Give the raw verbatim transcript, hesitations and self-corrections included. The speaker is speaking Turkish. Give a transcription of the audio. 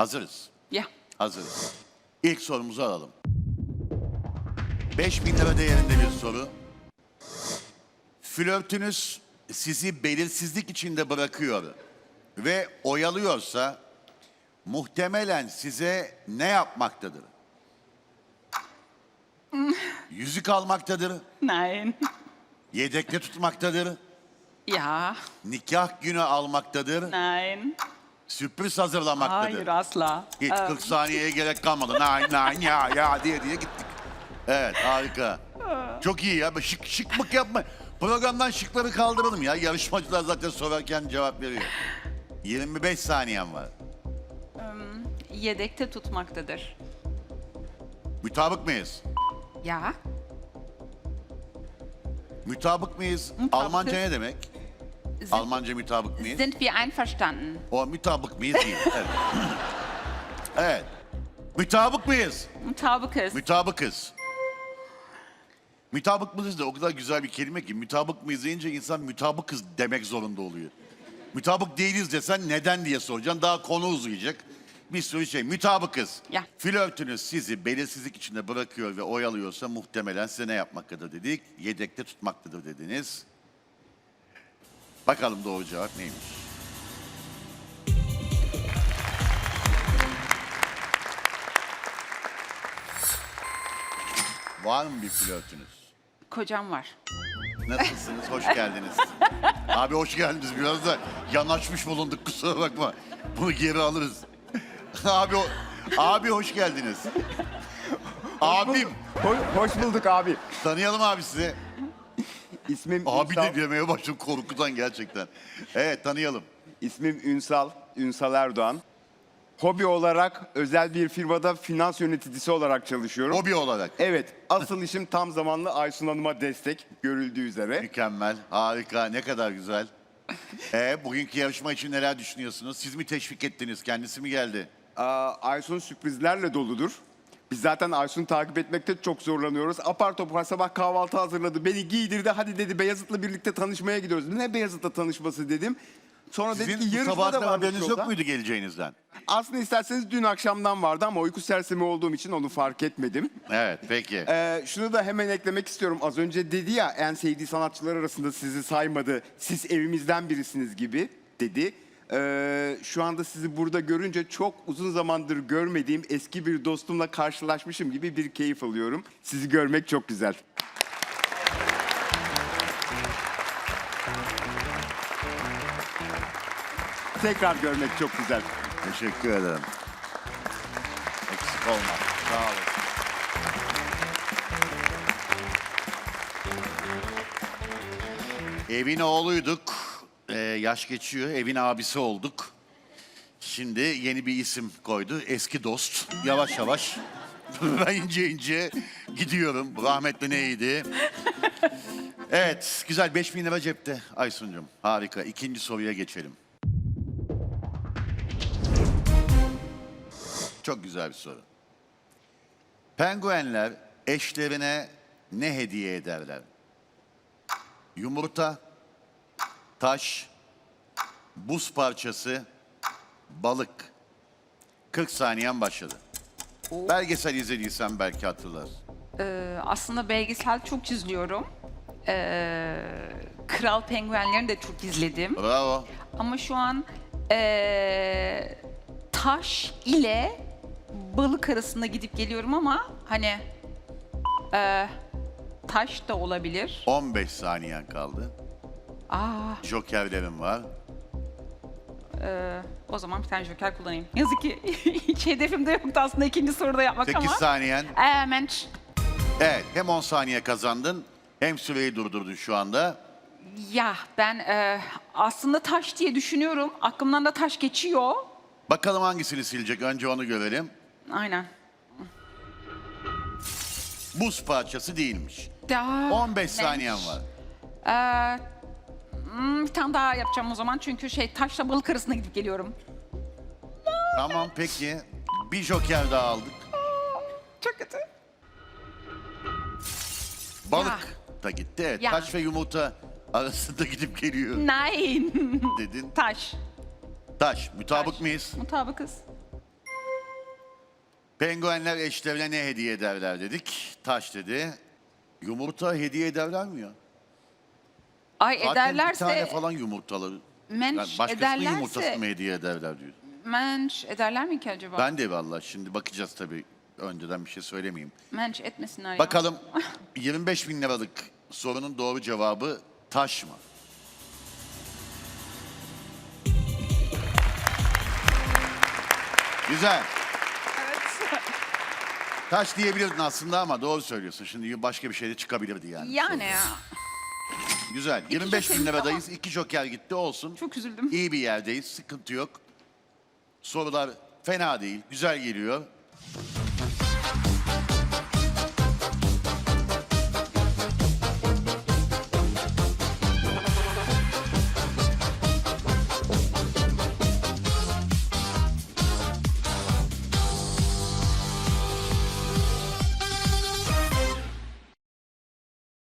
Hazırız. Ja. Hazırız. İlk sorumuzu alalım. beş bin lira değerinde bir soru. Flörtünüz sizi belirsizlik içinde bırakıyor ve oyalıyorsa muhtemelen size ne yapmaktadır? Yüzük almaktadır, Nein. yedekte tutmaktadır, Ja. nikah günü almaktadır, Nein. sürpriz hazırlamaktadır. Hayır asla. Hiç Ee, kırk saniyeye gerek kalmadı. Nay nay ya ya diye diye gittik. Evet harika. Çok iyi ya. Şık şık mık yapma. Programdan şıkları kaldıralım ya. Yarışmacılar zaten sorarken cevap veriyor. yirmi beş saniyen var. Yedekte tutmaktadır. Mütabık mıyız? Ja. Mütabık mıyız? Mutabıkız. Almanca ne demek? Sind, Almanca mütabık mıyız? sind wir einverstanden? O mütabık mıyız değil. Evet. Evet. Mütabık mıyız? Mutabıkız. Mütabıkız. Mütabık mıyız da o kadar güzel bir kelime ki mütabık mıyız deyince insan mütabıkız demek zorunda oluyor. Mütabık değiliz desen neden diye soracaksın. Daha konu uzayacak. Bir sürü şey. Mütabıkız. Ya. Flörtünüz sizi belirsizlik içinde bırakıyor ve oyalıyorsa muhtemelen size ne yapmaktadır dedik. Yedekte tutmaktadır dediniz. Bakalım doğru cevap neymiş? Var mı bir flörtünüz? Kocam var. Nasılsınız? Hoş geldiniz. Abi hoş geldiniz. Biraz da yanaşmış bulunduk. Kusura bakma. Bunu geri alırız. abi o- abi hoş geldiniz. Abim. Hoş, hoş bulduk abi. Tanıyalım abi sizi. İsmim Abi Ünsal. de demeye başladım korkudan gerçekten. Evet tanıyalım. İsmim Ünsal, Ünsal Erdoğan. Hobi olarak özel bir firmada finans yöneticisi olarak çalışıyorum. Hobi olarak. Evet, asıl işim tam zamanlı Aysun Hanım'a destek görüldüğü üzere. Mükemmel. Harika. Ne kadar güzel. Ee, bugünkü yarışma için neler düşünüyorsunuz? Siz mi teşvik ettiniz? Kendisi mi geldi? Aa, Aysun sürprizlerle doludur. Biz zaten Aysun'u takip etmekte çok zorlanıyoruz. Apar topar sabah kahvaltı hazırladı. Beni giydirdi. Hadi dedi Beyazıt'la birlikte tanışmaya gidiyoruz. Ne Beyazıt'la tanışması dedim. Sonra dedi ki Sizin bu yarışma da sabahtan varmış haberiniz yolda. yok muydu geleceğinizden? Aslında isterseniz dün akşamdan vardı ama uyku sersemi olduğum için onu fark etmedim. Evet peki. Ee, şunu da hemen eklemek istiyorum. Az önce dedi ya en sevdiği sanatçılar arasında sizi saymadı. Siz evimizden birisiniz gibi dedi. Ee, şu anda sizi burada görünce çok uzun zamandır görmediğim eski bir dostumla karşılaşmışım gibi bir keyif alıyorum. Sizi görmek çok güzel. Tekrar görmek çok güzel. Teşekkür ederim. Eksik olma. Sağ olun. Evin oğluyduk. Ee, yaş geçiyor. Evin abisi olduk. Şimdi yeni bir isim koydu. Eski dost. Yavaş yavaş. Ben ince ince gidiyorum. Rahmetli neydi? Evet. Güzel. beş bin lira cepte Aysun'cum. Harika. İkinci soruya geçelim. Çok güzel bir soru. Penguenler eşlerine ne hediye ederler? Yumurta, taş, buz parçası, balık. kırk saniyen başladı. Belgesel izlediysen belki hatırlarsın. Ee, aslında belgesel çok izliyorum. Ee, Kral Penguenlerini de çok izledim. Bravo. Ama şu an ee, taş ile balık arasında gidip geliyorum ama hani ee, taş da olabilir. on beş saniyen kaldı. Aa, Jokerlerim var. o zaman bir tane joker kullanayım. Yazık ki hiç hedefimde yoktu aslında ikinci soruda yapmak sekiz ama. saniyen. Ee, mensch. Evet hem on saniye kazandın hem süreyi durdurdun şu anda. Ya ben ee, aslında taş diye düşünüyorum. Aklımdan da taş geçiyor. Bakalım hangisini silecek önce onu görelim. Aynen. Buz parçası değilmiş. Daha on beş mensch. saniyen var. Ee, hmm, bir tane daha yapacağım o zaman çünkü şey taşla balık arasında gidip geliyorum. Tamam peki. Bir joker daha aldık. Çok kötü. Balık da gitti. Evet. Ya. Taş ve yumurta arasında gidip geliyor Nein. dedin. Taş. Taş. Mutabık Taş. mıyız? Mutabıkız. Penguenler eşlerine ne hediye ederler dedik. Taş dedi. Yumurta hediye ederler mi ya? Ay Zaten bir tane ederlerse, falan yumurtalı. menş Yani başkasının ederlerse, yumurtasını mı hediye ederler diyor. menş ederler mi ki acaba? Ben de vallahi şimdi bakacağız tabii. Önceden bir şey söylemeyeyim. Menş etmesinler ya. Bakalım yirmi beş bin liralık sorunun doğru cevabı taş mı? Güzel. Taş diyebilirdin aslında ama doğru söylüyorsun. Şimdi başka bir şey de çıkabilirdi yani. Yani ya. Güzel. yirmi beş bin jokerimiz liradayız. İki joker gitti olsun. Çok üzüldüm. İyi bir yerdeyiz. Sıkıntı yok. Sorular fena değil. Güzel geliyor.